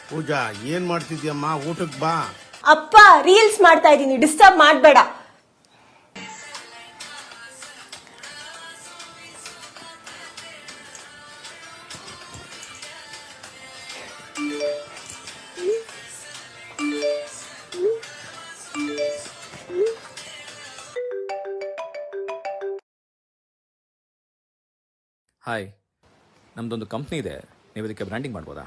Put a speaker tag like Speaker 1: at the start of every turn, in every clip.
Speaker 1: ಪೂಜಾ ಏನ್ ಮಾಡ್ತಿದ್ಯಮ್ಮ? ಊಟಕ್ಕೆ ಬಾ.
Speaker 2: ಅಪ್ಪ ರೀಲ್ಸ್ ಮಾಡ್ತಾ ಇದೀನಿ, ಡಿಸ್ಟರ್ಬ್ ಮಾಡಬೇಡ.
Speaker 3: ಹಾಯ್, ನಮ್ದೊಂದು ಕಂಪ್ನಿ ಇದೆ, ನೀವು ಇದಕ್ಕೆ ಬ್ರ್ಯಾಂಡಿಂಗ್ ಮಾಡ್ಬೋದಾ?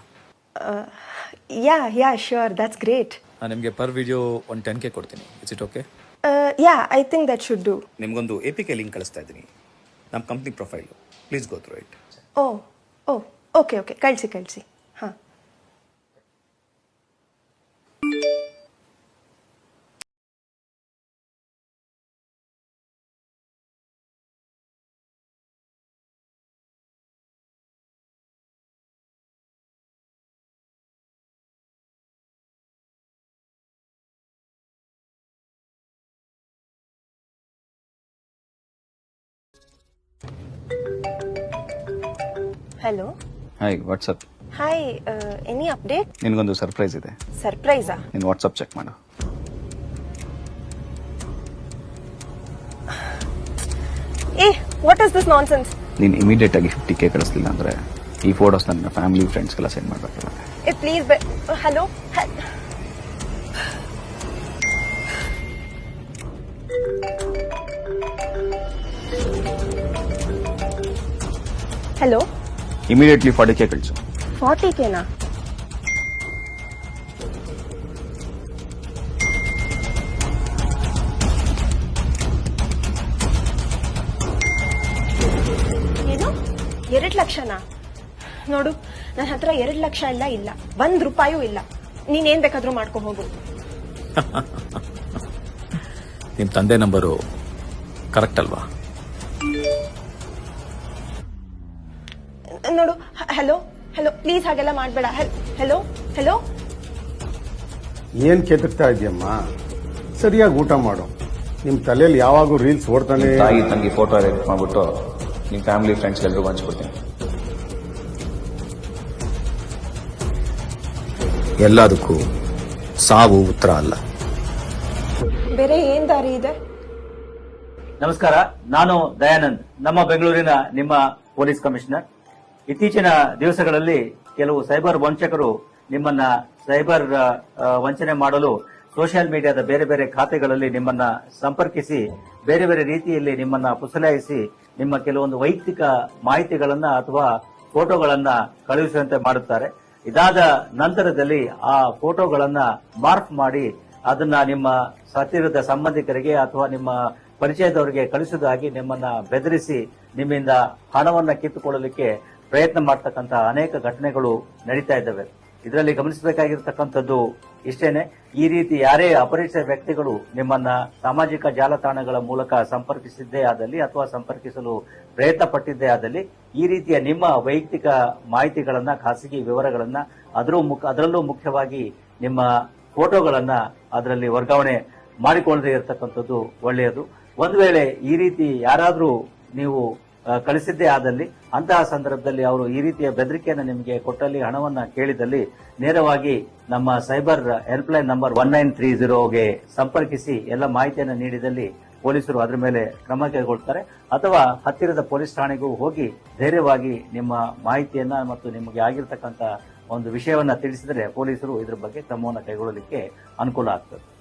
Speaker 2: Yeah sure, that's great.
Speaker 3: ನಾನು ನಿಮಗೆ ಪರ್ ವಿಡಿಯೋ ಒಂದು 10K ಕೊಡ್ತೀನಿ. It's it okay?
Speaker 2: Yeah, I think that should do.
Speaker 3: ನಿಮಗೊಂದು APK ಲಿಂಕ್ ಕಳಿಸ್ತಾ ಇದ್ದೀನಿ, ನಮ್ಮ company profile. Please go through it.
Speaker 2: Okay ಕಳಿಸಿ. ಹಾಂ. Hello.
Speaker 4: Hi, WhatsApp.
Speaker 2: Hi, any update?
Speaker 4: ನಿನಗೊಂದು ಸರ್ಪ್ರೈಸ್ ಇದೆ.
Speaker 2: ಸರ್ಪ್ರೈಸಾ?
Speaker 4: ನೀನು ವಾಟ್ಸಪ್ ಚೆಕ್ ಮಾಡು.
Speaker 2: What is this nonsense?
Speaker 4: ನೀನು ಇಮಿಡಿಯೇಟ್ ಆಗಿ 50K ಕಳಿಸ್ಲಿಲ್ಲ ಅಂದ್ರೆ ಈ ಫೋಟೋಸ್ ನನ್ನ ಫ್ಯಾಮಿಲಿ ಫ್ರೆಂಡ್ಸ್ಗೆಲ್ಲ ಸೆಂಡ್ ಮಾಡಬೇಕಲ್ಲ.
Speaker 2: Please. Hello. Hello.
Speaker 4: Immediately 40K ಕಳಿಸು.
Speaker 2: 40Kನಾ? ಏನು, 2 ಲಕ್ಷನಾ? ನೋಡು, ನನ್ನ ಹತ್ರ 2 ಲಕ್ಷ ಇಲ್ಲ, 1 ರೂಪಾಯೂ ಇಲ್ಲ. ನೀನೇನ್ ಬೇಕಾದ್ರೂ ಮಾಡ್ಕೊ ಹೋಗು.
Speaker 3: ನಿಮ್ಮ ತಂದೆ ನಂಬರು ಕರೆಕ್ಟ್ ಅಲ್ವಾ?
Speaker 2: ನೋಡು, ಹಲೋ ಪ್ಲೀಸ್ ಹಾಗೆಲ್ಲ ಮಾಡಬೇಡ. ಹಲೋ.
Speaker 1: ಏನ್ ಕೆದಕ್ತಾ ಇದೆಯಮ್ಮ? ಸರಿಯಾಗಿ ಊಟ ಮಾಡು. ನಿಮ್ ತಲೆಯಲ್ಲಿ ಯಾವಾಗೂ ರೀಲ್ಸ್ ಓಡ್ತಾನೆ.
Speaker 4: ತಾಯಿ ತಂಗಿ ಫೋಟೋ ಎಡಿಟ್ ಮಾಡ್ಬಿಟ್ಟು ನಿಮ್ಮ ಫ್ಯಾಮಿಲಿ ಫ್ರೆಂಡ್ಸ್ ಎಲ್ಲರಿಗೂ ಹಂಚ್ಕೊಡ್ತೀನಿ.
Speaker 3: ಎಲ್ಲದಕ್ಕೂ ಸಾವು ಉತ್ತರ ಅಲ್ಲ.
Speaker 2: ಬೇರೆ ಏನ್ ದಾರಿ ಇದೆ?
Speaker 5: ನಮಸ್ಕಾರ, ನಾನು ದಯಾನಂದ್, ನಮ್ಮ ಬೆಂಗಳೂರಿನ ನಿಮ್ಮ ಪೊಲೀಸ್ ಕಮಿಷನರ್. ಇತ್ತೀಚಿನ ದಿವಸಗಳಲ್ಲಿ ಕೆಲವು ಸೈಬರ್ ವಂಚಕರು ನಿಮ್ಮನ್ನ ಸೈಬರ್ ವಂಚನೆ ಮಾಡಲು ಸೋಷಿಯಲ್ ಮೀಡಿಯಾದ ಬೇರೆ ಬೇರೆ ಖಾತೆಗಳಲ್ಲಿ ನಿಮ್ಮನ್ನ ಸಂಪರ್ಕಿಸಿ ಬೇರೆ ಬೇರೆ ರೀತಿಯಲ್ಲಿ ನಿಮ್ಮನ್ನ ಪುಸಲಾಯಿಸಿ ನಿಮ್ಮ ಕೆಲವೊಂದು ವೈಯಕ್ತಿಕ ಮಾಹಿತಿಗಳನ್ನ ಅಥವಾ ಫೋಟೋಗಳನ್ನ ಕಳುಹಿಸುವಂತೆ ಮಾಡುತ್ತಾರೆ. ಇದಾದ ನಂತರದಲ್ಲಿ ಆ ಫೋಟೋಗಳನ್ನ ಮಾರ್ಕ್ ಮಾಡಿ ಅದನ್ನ ನಿಮ್ಮ ಹತ್ತಿರದ ಸಂಬಂಧಿಕರಿಗೆ ಅಥವಾ ನಿಮ್ಮ ಪರಿಚಯದವರಿಗೆ ಕಳಿಸುವುದಾಗಿ ನಿಮ್ಮನ್ನ ಬೆದರಿಸಿ ನಿಮ್ಮಿಂದ ಹಣವನ್ನ ಕಿತ್ತುಕೊಳ್ಳಲಿಕ್ಕೆ ಪ್ರಯತ್ನ ಮಾಡತಕ್ಕಂತಹ ಅನೇಕ ಘಟನೆಗಳು ನಡೀತಾ ಇದ್ದಾವೆ. ಇದರಲ್ಲಿ ಗಮನಿಸಬೇಕಾಗಿರ್ತಕ್ಕಂಥದ್ದು ಇಷ್ಟೇನೆ, ಈ ರೀತಿ ಯಾರೇ ಅಪರಿಚಿತ ವ್ಯಕ್ತಿಗಳು ನಿಮ್ಮನ್ನ ಸಾಮಾಜಿಕ ಜಾಲತಾಣಗಳ ಮೂಲಕ ಸಂಪರ್ಕಿಸಿದ್ದೇ ಆದಲ್ಲಿ ಅಥವಾ ಸಂಪರ್ಕಿಸಲು ಪ್ರಯತ್ನ ಪಟ್ಟಿದ್ದೇ ಆದಲ್ಲಿ ಈ ರೀತಿಯ ನಿಮ್ಮ ವೈಯಕ್ತಿಕ ಮಾಹಿತಿಗಳನ್ನ, ಖಾಸಗಿ ವಿವರಗಳನ್ನ, ಅದರಲ್ಲೂ ಮುಖ್ಯವಾಗಿ ನಿಮ್ಮ ಫೋಟೋಗಳನ್ನ ಅದರಲ್ಲಿ ವರ್ಗಾವಣೆ ಮಾಡಿಕೊಳ್ಳದೆ ಇರತಕ್ಕಂಥದ್ದು ಒಳ್ಳೆಯದು. ಒಂದು ವೇಳೆ ಈ ರೀತಿ ಯಾರಾದ್ರೂ ನೀವು ಕಳಿಸಿದ್ದೇ ಆದಲ್ಲಿ ಅಂತಹ ಸಂದರ್ಭದಲ್ಲಿ ಅವರು ಈ ರೀತಿಯ ಬೆದರಿಕೆಯನ್ನು ನಿಮಗೆ ಕೊಟ್ಟಲ್ಲಿ, ಹಣವನ್ನ ಕೇಳಿದಲ್ಲಿ ನೇರವಾಗಿ ನಮ್ಮ ಸೈಬರ್ ಹೆಲ್ಪ್ಲೈನ್ ನಂಬರ್ 1930ಗೆ ಸಂಪರ್ಕಿಸಿ ಎಲ್ಲ ಮಾಹಿತಿಯನ್ನು ನೀಡಿದಲ್ಲಿ ಪೊಲೀಸರು ಅದರ ಮೇಲೆ ಕ್ರಮ ಕೈಗೊಳ್ತಾರೆ. ಅಥವಾ ಹತ್ತಿರದ ಪೊಲೀಸ್ ಠಾಣೆಗೂ ಹೋಗಿ ಧೈರ್ಯವಾಗಿ ನಿಮ್ಮ ಮಾಹಿತಿಯನ್ನ ಮತ್ತು ನಿಮಗೆ ಆಗಿರ್ತಕ್ಕಂಥ ಒಂದು ವಿಷಯವನ್ನ ತಿಳಿಸಿದರೆ ಪೊಲೀಸರು ಇದರ ಬಗ್ಗೆ ಕ್ರಮವನ್ನು ಕೈಗೊಳ್ಳಲಿಕ್ಕೆ ಅನುಕೂಲ ಆಗ್ತದೆ.